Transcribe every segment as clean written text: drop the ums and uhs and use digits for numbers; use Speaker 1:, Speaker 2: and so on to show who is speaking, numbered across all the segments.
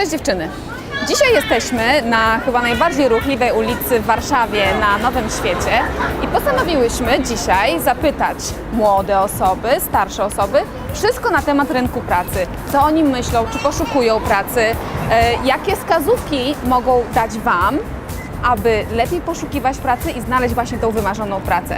Speaker 1: Cześć dziewczyny! Dzisiaj jesteśmy na chyba najbardziej ruchliwej ulicy w Warszawie, na Nowym Świecie i postanowiłyśmy dzisiaj zapytać młode osoby, starsze osoby wszystko na temat rynku pracy. Co o nim myślą, czy poszukują pracy, jakie wskazówki mogą dać Wam, aby lepiej poszukiwać pracy i znaleźć właśnie tą wymarzoną pracę.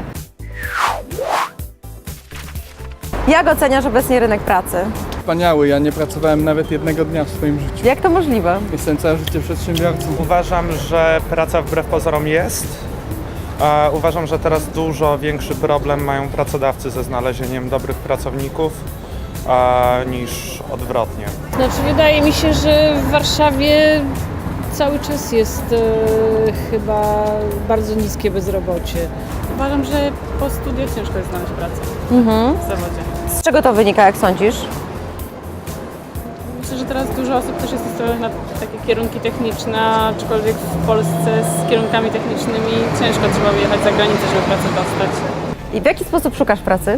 Speaker 2: Jak oceniasz obecnie rynek pracy?
Speaker 3: Wspaniały, ja nie pracowałem nawet jednego dnia w swoim życiu.
Speaker 2: Jak to możliwe?
Speaker 3: Jestem całe życie przedsiębiorcą.
Speaker 4: Uważam, że praca wbrew pozorom jest. Uważam, że teraz dużo większy problem mają pracodawcy ze znalezieniem dobrych pracowników niż odwrotnie.
Speaker 5: Znaczy wydaje mi się, że w Warszawie cały czas jest chyba bardzo niskie bezrobocie.
Speaker 6: Uważam, że po studiach ciężko jest znaleźć pracę w zawodzie.
Speaker 2: Z czego to wynika, jak sądzisz?
Speaker 6: Myślę, że teraz dużo osób też jest nastawionych na takie kierunki techniczne, aczkolwiek w Polsce z kierunkami technicznymi ciężko trzeba wyjechać za granicę, żeby pracę dostać.
Speaker 2: I w jaki sposób szukasz pracy?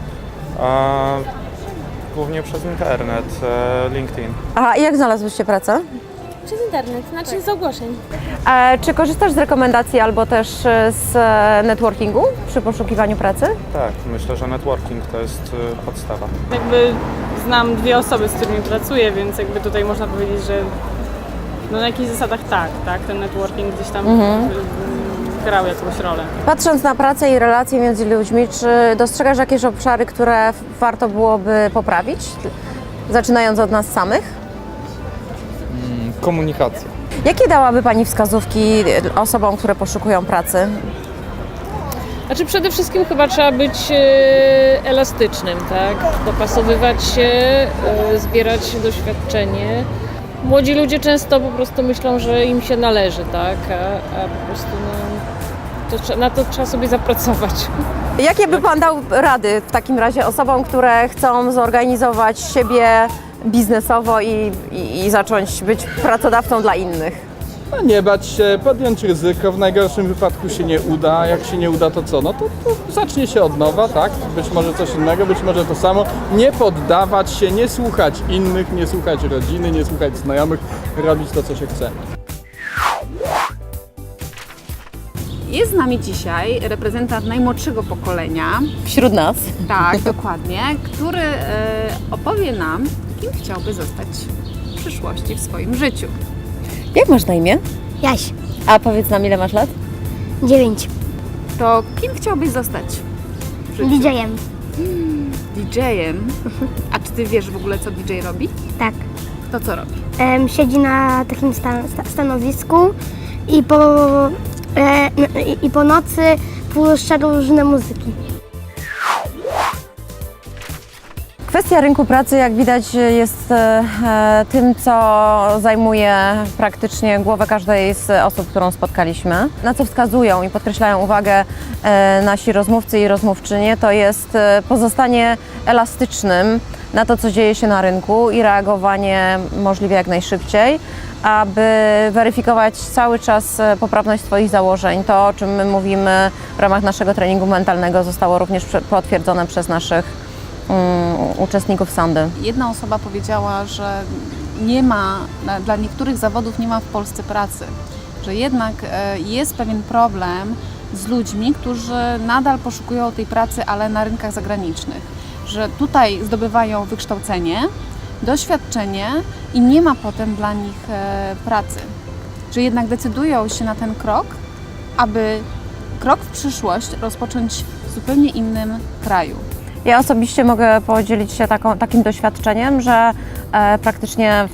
Speaker 4: Głównie przez internet, LinkedIn.
Speaker 2: Aha, i jak znalazłyście pracę?
Speaker 7: Przez internet, znaczy z ogłoszeń.
Speaker 2: Czy korzystasz z rekomendacji albo też z networkingu przy poszukiwaniu pracy?
Speaker 4: Tak, myślę, że networking to jest podstawa.
Speaker 6: Jakby znam dwie osoby, z którymi pracuję, więc jakby tutaj można powiedzieć, że no na jakichś zasadach tak, ten networking gdzieś tam grał jakąś rolę.
Speaker 2: Patrząc na pracę i relacje między ludźmi, czy dostrzegasz jakieś obszary, które warto byłoby poprawić, zaczynając od nas samych?
Speaker 3: Komunikacja.
Speaker 2: Jakie dałaby Pani wskazówki osobom, które poszukują pracy?
Speaker 5: Znaczy przede wszystkim chyba trzeba być elastycznym, tak? Dopasowywać się, zbierać doświadczenie. Młodzi ludzie często po prostu myślą, że im się należy, tak? A po prostu na to trzeba sobie zapracować.
Speaker 2: Jakie by Pan dał rady w takim razie osobom, które chcą zorganizować siebie biznesowo i zacząć być pracodawcą dla innych?
Speaker 3: No nie bać się, podjąć ryzyko, w najgorszym wypadku się nie uda, jak się nie uda to co? No to zacznie się od nowa, tak? Być może coś innego, być może to samo. Nie poddawać się, nie słuchać innych, nie słuchać rodziny, nie słuchać znajomych, robić to, co się chce.
Speaker 1: Jest z nami dzisiaj reprezentant najmłodszego pokolenia,
Speaker 2: Wśród nas.
Speaker 1: tak, dokładnie, który opowie nam, kim chciałby zostać w przyszłości w swoim życiu.
Speaker 2: Jak masz na imię?
Speaker 7: Jaś,
Speaker 2: A powiedz nam, ile masz lat?
Speaker 7: 9.
Speaker 1: To kim chciałbyś zostać w życiu?
Speaker 7: DJ-em.
Speaker 1: DJ-em? A czy ty wiesz w ogóle, co DJ robi?
Speaker 7: Tak.
Speaker 1: To co robi?
Speaker 7: Siedzi na takim stanowisku i po nocy puszcza różne muzyki.
Speaker 2: Kwestia rynku pracy, jak widać, jest tym, co zajmuje praktycznie głowę każdej z osób, którą spotkaliśmy. Na co wskazują i podkreślają uwagę nasi rozmówcy i rozmówczynie, to jest pozostanie elastycznym na to, co dzieje się na rynku i reagowanie możliwie jak najszybciej, aby weryfikować cały czas poprawność swoich założeń. To, o czym my mówimy w ramach naszego treningu mentalnego, zostało również potwierdzone przez naszych uczestników sondy.
Speaker 1: Jedna osoba powiedziała, że nie ma, dla niektórych zawodów nie ma w Polsce pracy, że jednak jest pewien problem z ludźmi, którzy nadal poszukują tej pracy, ale na rynkach zagranicznych, że tutaj zdobywają wykształcenie, doświadczenie i nie ma potem dla nich pracy, że jednak decydują się na ten krok, aby krok w przyszłość rozpocząć w zupełnie innym kraju.
Speaker 2: Ja osobiście mogę podzielić się takim doświadczeniem, że praktycznie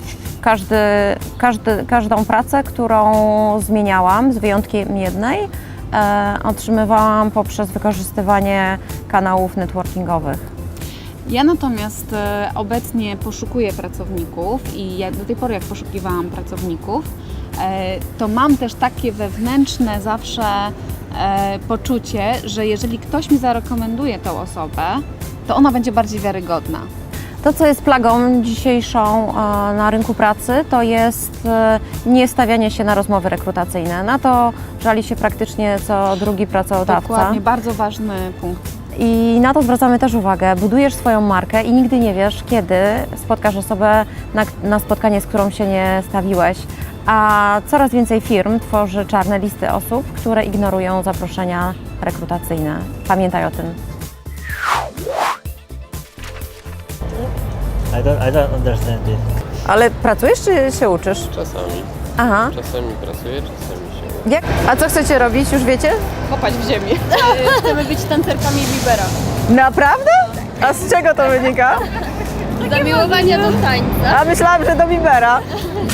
Speaker 2: każdą pracę, którą zmieniałam, z wyjątkiem jednej, otrzymywałam poprzez wykorzystywanie kanałów networkingowych.
Speaker 1: Ja natomiast obecnie poszukuję pracowników i do tej pory jak poszukiwałam pracowników, to mam też takie wewnętrzne zawsze poczucie, że jeżeli ktoś mi zarekomenduje tą osobę, to ona będzie bardziej wiarygodna.
Speaker 2: To, co jest plagą dzisiejszą na rynku pracy, to jest niestawianie się na rozmowy rekrutacyjne. Na to żali się praktycznie co drugi pracodawca.
Speaker 1: Dokładnie, bardzo ważny punkt.
Speaker 2: I na to zwracamy też uwagę. Budujesz swoją markę i nigdy nie wiesz, kiedy spotkasz osobę na spotkanie, z którą się nie stawiłeś. A coraz więcej firm tworzy czarne listy osób, które ignorują zaproszenia rekrutacyjne. Pamiętaj o tym.
Speaker 8: I don't understand it.
Speaker 2: Ale pracujesz czy się uczysz?
Speaker 9: Czasami.
Speaker 2: Aha.
Speaker 9: Czasami pracuję, czasami się.
Speaker 2: A co chcecie robić, już wiecie?
Speaker 6: Kopać w ziemi.
Speaker 5: Chcemy być tancerkami Bibera.
Speaker 2: Naprawdę? A z czego to wynika?
Speaker 5: Zamiłowania do tańca.
Speaker 2: A myślałam, że do Bibera.